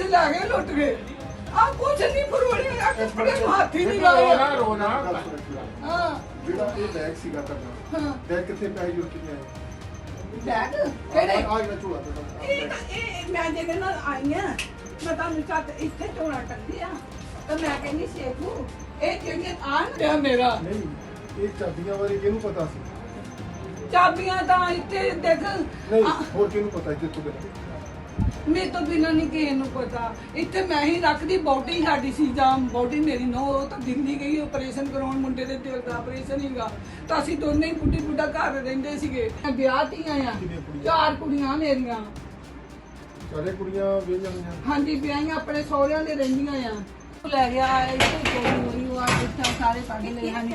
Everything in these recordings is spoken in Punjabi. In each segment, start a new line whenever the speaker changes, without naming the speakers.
पैसे ला गए लुट गए आप कुछ नहीं फरोड़े आके फड़े हाथ ही नहीं लाया
रोना
हां
ਜਿਹੜਾ ਇਹ ਬੈਗ ਸੀਗਾ ਤੁਹਾਡਾ
ਹਾਂ
ਬੈਗ ਕਿੱਥੇ ਪਿਆ ਜੁਰ ਕਿੰਨੇ ਆਏ
बैग केड़े
ਆ ਗਿਆ ਝੋਲਾ ਤੁਹਾਡਾ
ਇਹ ਮੈਂ ਜਿਹਦੇ ਨਾਲ ਆਈ ਆ ਮੈਂ ਤੁਹਾਨੂੰ ਚੱਤ ਇੱਥੇ ਝੋਲਾ ਟੰਗਿਆ ਤਾਂ ਮੈਂ ਕਹਿੰਦੀ ਸੇਖੂ ਇਹ ਜਿਹੜੇ ਆਣ ਪਿਆ ਮੇਰਾ
ਨਹੀਂ ਇਹ ਚਾਬੀਆਂ ਬਾਰੇ ਕਿਹਨੂੰ ਪਤਾ ਸੀ
ਚਾਬੀਆਂ ਤਾਂ ਇੱਥੇ ਦੇਖ
ਨਹੀਂ ਹੋਰ ਕਿਹਨੂੰ ਪਤਾ ਇੱਥੇ ਤੋਂ ਬਿਨਾਂ
ਮੇਰੇ ਤੋਂ ਬਿਨਾਂ ਨਹੀਂ ਕਿਸੇ ਨੂੰ ਪਤਾ ਇੱਥੇ ਮੈਂ ਹੀ ਰੱਖਦੀ ਬੋਟੀ ਸਾਡੀ ਸੀ ਜਾਂ ਬੋਟੀ ਮੇਰੀ ਨੋ ਉਹ ਤਾਂ ਦਿੱਲੀ ਗਈ ਆਪਰੇਸ਼ਨ ਕਰਾਉਣ ਮੁੰਡੇ ਦੇ ਦਿਲ ਦਾ ਆਪਰੇਸ਼ਨ ਹੀਗਾ ਤਾਂ ਅਸੀਂ ਦੋਨੇ ਹੀ ਬੁੱਢੀ ਬੁੱਢਾ ਘਰ ਰਹਿੰਦੇ ਸੀਗੇ ਵਿਆਹ ਤੀਆਂ ਆ
ਕਿੰਨੀਆਂ ਕੁੜੀਆਂ?
4 ਕੁੜੀਆਂ ਮੇਰੀਆਂ
ਸਾਰੇ ਕੁੜੀਆਂ ਵਿਆਹੀਆਂ ਹੋਈਆਂ
ਹਾਂਜੀ ਵਿਆਹੀਆਂ ਆਪਣੇ ਸਹੁਰਿਆਂ ਦੇ ਰਹਿੰਦੀਆਂ ਆ ਲੈ ਗਿਆ ਇੱਥੇ ਚੋਰੀ ਹੋਈ ਉਹ ਆ ਇੱਥੇ ਸਾਰੇ ਕੱਢ ਲਏ ਹਨ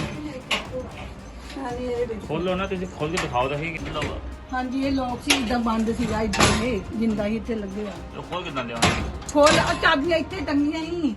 ਹਾਂਜੀ ਇਹ ਦੇਖੋ
ਖੋਲੋ ਨਾ ਤੁਸੀਂ ਖੋਲ ਕੇ ਦਿਖਾਓ ਤਾਂ ਸਹੀ ਕਿੰਨਾ ਵਾ
ਹਾਂਜੀ ਇਹ ਲੋਕ ਸੀ ਇਦਾਂ ਬੰਦ ਸੀਗਾ ਇਦਾਂ ਇਹ ਜਿੰਦਾ ਹੀ ਇੱਥੇ ਲੱਗੇ ਆ
ਇਹ ਖੋਲ ਕਿਦਾਂ ਲਿਆ
ਖੋਲ ਆ ਚਾਬੀਆਂ ਇੱਥੇ ਟੰਗੀਆਂ ਹੀ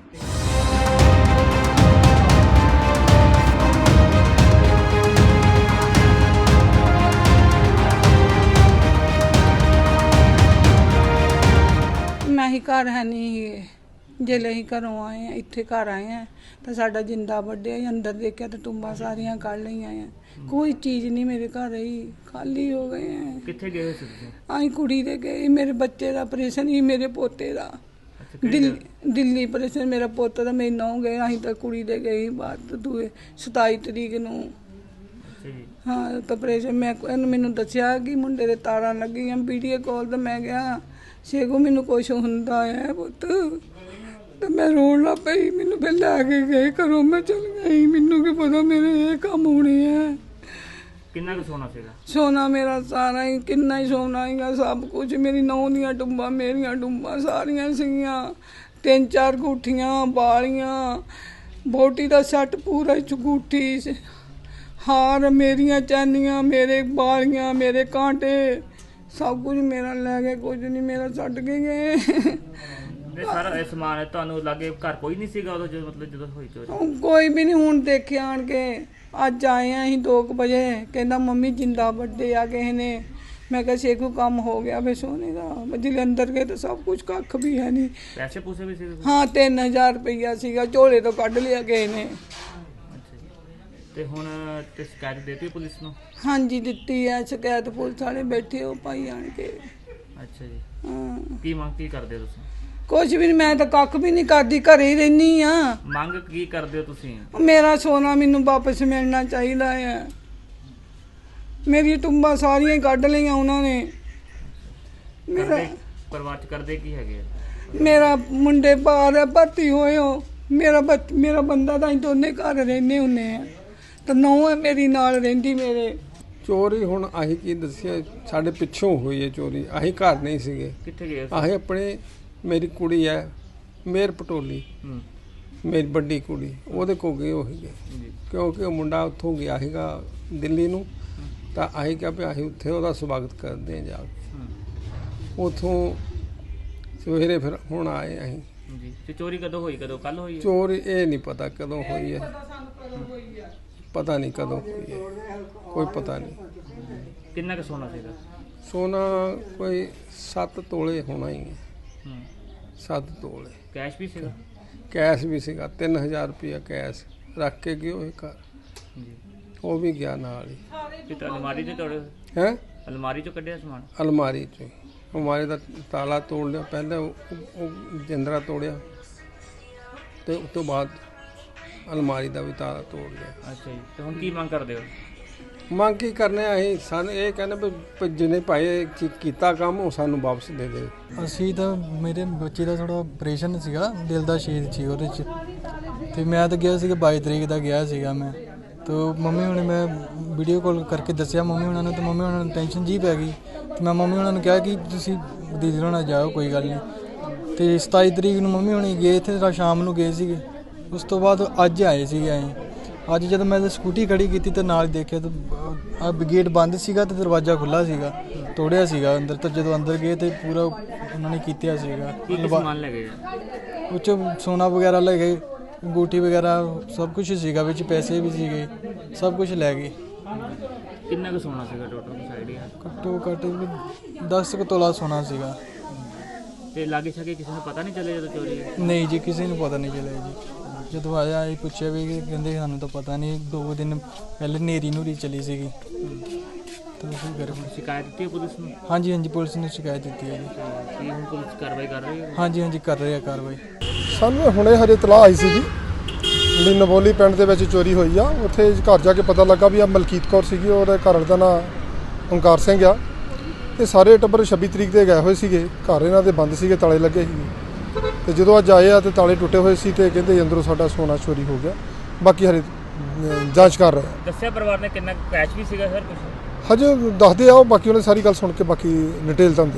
ਮੈਂ ਹੀ ਘਰ ਹੈ ਨਹੀਂ जेले ही घरों आए हैं इत्थे घर आए हैं तो साडा जिंदा बड्डे अंदर देखा तो टुंबा सारियां कढ़ ली हैं कोई चीज़ नहीं मेरे घर रही खाली हो गए हैं
कित्थे गए सी तुसीं
आई कुड़ी दे गए मेरे बच्चे का ऑपरेशन ही मेरे पोते का दिल्ली ऑपरेशन मेरा पोता था मेरी नौ गए अं तो कुड़ी दे गए बात दूए 27 तरीक नूं हाँ तो ऑपरेशन मैं मैनू दसिया कि मुंडे दे तारां लगियां वीडियो कॉल तो मैं गया शेगो मैनू कुछ हुंदा है पुत्त तो मैं रोन लग पई मैनू फिर लैके गए घरों मैं चल गई मैनू की पता मेरे ये काम होने हैं
किन्ना कुछ सोना सीगा
सोना मेरा सारा ही किन्ना ही सोना ही सब कुछ मेरी नौ दियां टुंबां मेरियां टुंबां सारियां सीगियां 3-4 गुठियां बालियां बोटी दा सैट पूरा चगूठी हार मेरियां चैनियां मेरे बालियां मेरे कांटे सब कुछ मेरा लै गए कुछ नहीं मेरा छड्ड के गए
ਇਹ ਸਾਰਾ ਇਹ ਸਮਾਨ ਤੁਹਾਨੂੰ ਲੱਗੇ ਘਰ ਕੋਈ ਨਹੀਂ ਸੀਗਾ ਉਦੋਂ ਜਦੋਂ ਮਤਲਬ ਜਦੋਂ ਹੋਈ ਚੋਰੀ
ਕੋਈ भी नहीं ਹੁਣ ਦੇਖਿਆ ਆਣ ਕੇ ਅੱਜ ਆਏ ਆ ਅਸੀਂ 2 ਵਜੇ ਕਹਿੰਦਾ ਮੰਮੀ ਜਿੰਦਾ ਵੱਡੇ ਆ ਕਿਸੇ ਨੇ मैं कहा शेखू काम हो गया वे सोने का जिले अंदर गए तो सब कुछ कख भी है नहीं
पैसे पूसे भी सी
हाँ 3000 रुपया सीगा झोले तो कढ़ लिया गए ने
ਤੇ ਹੁਣ ਤੇ ਸ਼ਿਕਾਇਤ ਦੇਤੀ ਪੁਲਿਸ ਨੂੰ
हाँ जी दिती है शिकायत पुलिस वाले बैठे हो पाई आन के
ਅੱਛਾ ਜੀ
हाँ
ਕੀ ਮੰਗ ਕੀ ਕਰਦੇ ਹੋ ਤੁਸੀਂ
कुछ भी नहीं मैं तो कख भी नहीं करती घरे ही रहनी हाँ
ਮੰਗ ਕੀ ਕਰਦੇ ਹੋ ਤੁਸੀਂ
मेरा सोना मैनू वापस मिलना चाहिए है मेरी टुंबा सारियां ही कढ़ लिया उन्होंने मेरा
ਪਰਿਵਾਰ ਚ ਕਰਦੇ ਕੀ ਹੈਗੇ
मेरा मुंडे बाहर है भर्ती होए हो मेरा बंदा तो अं दोने घर रहने होने हैं तो नौ है मेरी नाल रहिंदी मेरे
ਚੋਰੀ ਹੁਣ ਆਹੀ ਕੀ ਦੱਸਿਆ ਸਾਡੇ ਪਿੱਛੋਂ ਹੋਈ ਹੈ ਚੋਰੀ ਆਹੀ ਘਰ ਨਹੀਂ ਸੀਗੇ
ਕਿੱਥੇ ਗਏ
ਆਹੀ ਆਪਣੇ ਮੇਰੀ ਕੁੜੀ ਹੈ ਮੇਰ ਪਟੋਲੀ
ਹੂੰ
ਮੇਰੀ ਵੱਡੀ ਕੁੜੀ ਉਹਦੇ ਕੋ ਗਏ ਉਹ ਸੀਗੇ
ਜੀ
ਕਿਉਂਕਿ ਉਹ ਮੁੰਡਾ ਉੱਥੋਂ ਗਿਆ ਸੀਗਾ ਦਿੱਲੀ ਨੂੰ ਤਾਂ ਆਹੀ ਕਿਹਾ ਵੀ ਆਹੀ ਉੱਥੇ ਉਹਦਾ ਸਵਾਗਤ ਕਰਦੇ ਆ ਜਾ ਕੇ ਉੱਥੋਂ ਸਵੇਰੇ ਫਿਰ ਹੁਣ ਆਏ ਅਸੀਂ
ਜੀ ਤੇ ਚੋਰੀ ਕਦੋਂ ਹੋਈ ਕਦੋਂ ਕੱਲ ਹੋਈ ਹੈ
ਚੋਰੀ ਇਹ ਨਹੀਂ ਪਤਾ ਕਦੋਂ ਹੋਈ ਹੈ ਪਤਾ ਨਹੀਂ ਕਦੋਂ ਹੋਈ ਹੈ ਕੋਈ ਪਤਾ ਨਹੀਂ
ਕਿੰਨਾ ਕੁ ਸੋਨਾ ਸੀਗਾ
ਸੋਨਾ ਕੋਈ 7 ਤੋਲੇ ਹੋਣਾ ਹੀ ਹੈ
ਹੂੰ
7 ਤੋਲੇ
ਕੈਸ਼ ਵੀ ਸੀਗਾ
ਕੈਸ਼ ਵੀ ਸੀਗਾ 3000 ਰੁਪਇਆ ਕੈਸ਼ ਰੱਖ ਕੇ ਗਏ ਉਹ ਘਰ
ਜੀ
ਉਹ ਵੀ ਗਿਆ ਨਾਲ ਹੀ
ਤੇ ਅਲਮਾਰੀ ਤੇ ਤੋੜੇ
ਹੈ
ਅਲਮਾਰੀ ਚੋਂ ਕੱਢਿਆ ਸਮਾਨ
ਅਲਮਾਰੀ ਚੋਂ ਅਲਮਾਰੀ ਦਾ ਤਾਲਾ ਤੋੜ ਲਿਆ ਪਹਿਲਾਂ ਉਹ ਜਿੰਦਰਾ ਤੋੜਿਆ ਤੇ ਉਸ ਤੋਂ ਬਾਅਦ ਅਲਮਾਰੀ ਦਾ ਵੀ ਤਾਲਾ ਤੋੜ ਲਿਆ
ਅੱਛਾ ਜੀ ਤੇ ਹੁਣ ਕੀ ਮੰਗ ਕਰਦੇ ਹੋ
ਮੰਗ ਕੀ ਕਰਨੇ ਆ ਅਸੀਂ ਸਾਨੂੰ ਇਹ ਕਹਿੰਦੇ ਵੀ ਜਿਹਨੇ ਭਾਈ ਕੀਤਾ ਕੰਮ ਉਹ ਸਾਨੂੰ ਵਾਪਸ ਦੇ ਦੇ
ਅਸੀਂ ਤਾਂ ਮੇਰੇ ਬੱਚੇ ਦਾ ਥੋੜਾ ਆਪਰੇਸ਼ਨ ਸੀਗਾ ਦਿਲ ਦਾ ਛੇਦ ਸੀ ਉਹਦੇ 'ਚ ਤੇ ਮੈਂ ਤਾਂ ਗਿਆ ਸੀਗਾ 22 ਤਰੀਕ ਦਾ ਗਿਆ ਸੀਗਾ ਮੈਂ ਤਾਂ ਮੰਮੀ ਹੁਣੇ ਮੈਂ ਵੀਡੀਓ ਕਾਲ ਕਰਕੇ ਦੱਸਿਆ ਮੰਮੀ ਉਹਨਾਂ ਨੂੰ ਤੇ ਮੰਮੀ ਉਹਨਾਂ ਨੂੰ ਟੈਨਸ਼ਨ ਜੀ ਪੈ ਗਈ ਤੇ ਮੈਂ ਮੰਮੀ ਉਹਨਾਂ ਨੂੰ ਕਿਹਾ ਕਿ ਤੁਸੀਂ ਦੀਦੀ ਹੋਣਾ ਜਾਓ ਕੋਈ ਗੱਲ ਨਹੀਂ ਤੇ 27 ਤਰੀਕ ਨੂੰ ਮੰਮੀ ਹੁਣੀ ਗਏ ਇੱਥੇ ਸ਼ਾਮ ਨੂੰ ਗਏ ਸੀਗੇ ਉਸ ਤੋਂ ਬਾਅਦ ਅੱਜ ਆਏ ਸੀਗੇ ਅਸੀਂ ਅੱਜ ਜਦੋਂ ਮੈਂ ਸਕੂਟੀ ਖੜੀ ਕੀਤੀ ਤੇ ਨਾਲ ਦੇਖਿਆ ਤਾਂ ਆ ਗੇਟ ਬੰਦ ਸੀਗਾ ਤੇ ਦਰਵਾਜ਼ਾ ਖੁੱਲ੍ਹਾ ਸੀਗਾ ਤੋੜਿਆ ਸੀਗਾ ਅੰਦਰ ਤਾਂ ਜਦੋਂ ਅੰਦਰ ਗਏ ਤੇ ਪੂਰਾ ਉਹਨਾਂ ਨੇ ਕੀਤਾ ਸੀਗਾ
ਕੀ ਸਮਾਨ ਲੈ ਗਏ
ਉਹ 'ਚੋਂ ਸੋਨਾ ਵਗੈਰਾ ਲੈ ਗਏ ਅੰਗੂਠੀ ਵਗੈਰਾ ਸਭ ਕੁਝ ਸੀਗਾ ਵਿੱਚ ਪੈਸੇ ਵੀ ਸੀਗੇ ਸਭ ਕੁਝ ਲੈ ਗਏ
ਕਿੰਨਾ ਕੁ ਸੋਨਾ ਸੀਗਾ ਟੋਟਲ ਆਈਡੀਆ
ਘੱਟੋ ਘੱਟ 10 ਕੁ ਤੋਲਾ ਸੋਨਾ ਸੀਗਾ
ਤੇ ਲਾਗੇ ਛਾਗੇ ਕਿਸੇ ਨੂੰ ਪਤਾ ਨਹੀਂ ਚੱਲਿਆ ਜਦੋਂ ਚੋਰੀ ਹੋਈ?
ਨਹੀਂ ਜੀ, ਕਿਸੇ ਨੂੰ ਪਤਾ ਨਹੀਂ ਚੱਲਿਆ ਜੀ। ਜਦੋਂ ਆਇਆ ਇਹ ਪੁੱਛਿਆ ਵੀ ਕਹਿੰਦੇ ਸਾਨੂੰ ਤਾਂ ਪਤਾ ਨਹੀਂ, 2 ਦਿਨ ਪਹਿਲੇ ਨੇਰੀ ਨੂਰੀ ਚਲੀ ਸੀਗੀ ਤਾਂ ਅਸੀਂ ਘਰ।
ਸ਼ਿਕਾਇਤ ਦਿੱਤੀ ਹੈ ਪੁਲਿਸ ਨੂੰ?
ਹਾਂਜੀ ਹਾਂਜੀ, ਪੁਲਿਸ ਨੇ ਸ਼ਿਕਾਇਤ ਦਿੱਤੀ ਹੈ ਜੀ।
ਕੀ ਹੁਣ ਪੁਲਿਸ ਕਾਰਵਾਈ ਕਰ ਰਹੀ ਹੈ?
ਹਾਂਜੀ ਹਾਂਜੀ, ਕਰ ਰਹੇ ਆ ਕਾਰਵਾਈ।
ਸਾਨੂੰ ਹੁਣੇ ਹਜੇ ਇਤਲਾਹ ਆਈ ਸੀਗੀ ਵੀ ਨਵੋਲੀ ਪਿੰਡ ਦੇ ਵਿੱਚ ਚੋਰੀ ਹੋਈ ਆ। ਉੱਥੇ ਘਰ ਜਾ ਕੇ ਪਤਾ ਲੱਗਾ ਵੀ ਆ ਮਲਕੀਤ ਕੌਰ ਸੀਗੀ, ਉਹਦੇ ਘਰ ਦਾ ਨਾਂ ਓਂਕਾਰ ਸਿੰਘ ਆ। ਤੇ ਸਾਰੇ ਟੱਬਰ 26 ਤਰੀਕ ਦੇ ਗਏ ਹੋਏ ਸੀਗੇ, ਘਰ ਇਹਨਾਂ ਦੇ ਬੰਦ ਸੀਗੇ, ਤਾਲੇ ਲੱਗੇ ਸੀਗੇ। ਤੇ ਜਦੋਂ ਅੱਜ ਆਏ ਆ ਤੇ ਤਾਲੇ ਟੁੱਟੇ ਹੋਏ ਸੀ ਤੇ ਕਹਿੰਦੇ ਅੰਦਰੋਂ ਸਾਡਾ ਸੋਨਾ ਚੋਰੀ ਹੋ ਗਿਆ। ਬਾਕੀ ਹਰੇ ਜਾਂਚ ਕਰ ਰਹੇ ਆ।
ਦੱਸਿਆ ਪਰਿਵਾਰ ਨੇ ਕਿੰਨਾ ਕੈਸ਼ ਵੀ ਸੀਗਾ ਸਰ ਕੁਝ?
ਹਜੇ ਦੱਸਦੇ ਆ ਉਹ, ਬਾਕੀ ਉਹਨੇ ਸਾਰੀ ਗੱਲ ਸੁਣ ਕੇ ਬਾਕੀ ਡਿਟੇਲ ਤੁਹਾਨੂੰ